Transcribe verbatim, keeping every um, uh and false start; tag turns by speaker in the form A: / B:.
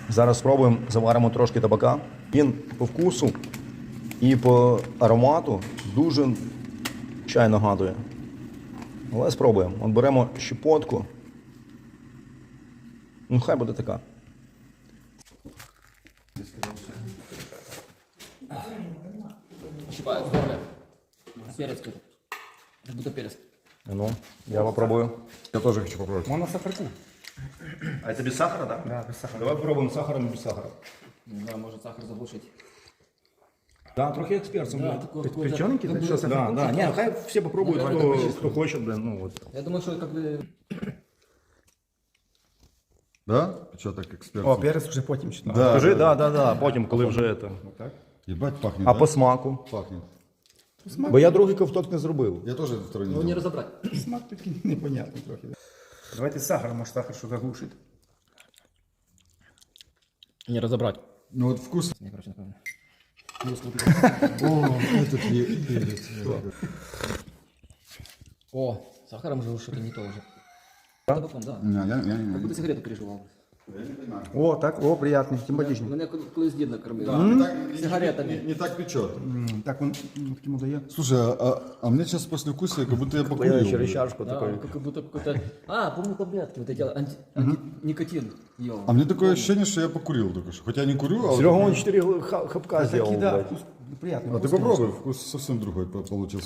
A: Зараз спробуємо, заваримо трошки табака. Він по вкусу і по аромату дуже чай нагадує. Але спробуємо. От беремо щепотку. Ну, хай буде така.
B: Щипаю в горле. Перец какой-то. Как будто перец.
A: Ну, я попробую.
C: Я тоже хочу попробовать.
D: Можно сахарку.
A: А это без сахара, да?
D: Да, без сахара.
A: Давай попробуем с сахаром и без сахара.
B: Не знаю, может сахар заглушить.
A: Да, трохи як з перцем.
B: Да,
A: блин.
B: такой
A: Пе-
B: какой-то-
A: Печененький?
B: как
A: Да,
B: будто-
A: да, да. Не, хай все попробуют,
B: Наверное,
A: кто,
B: такой
A: кто хочет, блин, ну вот.
B: Я думаю, что как бы...
C: Да? Что так эксперт?
D: О, перец уже потім чуть.
C: Да.
A: Скажи, да, да, да, потім, коли вже це.
D: Так.
C: Ебать пахнет,
A: А
C: да?
A: по смаку?
C: Пахнет.
A: Бо я другий ковток не зробив.
C: Я тоже второй не
B: Ну, не
C: делал.
B: разобрать.
D: Смак такий непонятний трохи. Да? Давайте з сахаром, може сахар що заглушить.
B: Не разобрать.
C: Ну вот вкус.
B: Не, короче, напевно.
C: О, этот е- перец.
B: О, с сахаром же что-то не то уже. Табаком, да.
C: Не, я, я, я,
B: Как будто сигарету переживал.
D: О, так, о, приятний, симпатичний.
B: Мене колись дід накормив.
C: Да, не так- не-
B: Сигаретами.
C: Не, не так печет.
D: М, Так він м, таким дає.
C: Слушай, а, а мне сейчас после вкуса, как будто я
A: Я
C: покурил.
A: через чашку
B: Да,
A: такой.
B: как будто какой-то... А, помню таблетки, вот эти анти... анти... никотин ел.
C: А мне такое ощущение, что я покурил только что. Хотя я не курю, а... вот-
A: Серега, он чотири хапка зробив,
D: Такий, да,
A: блядь.
D: вкус, приятний.
C: А ты
D: вкусний.
C: попробуй, вкус совсем другой по- получился.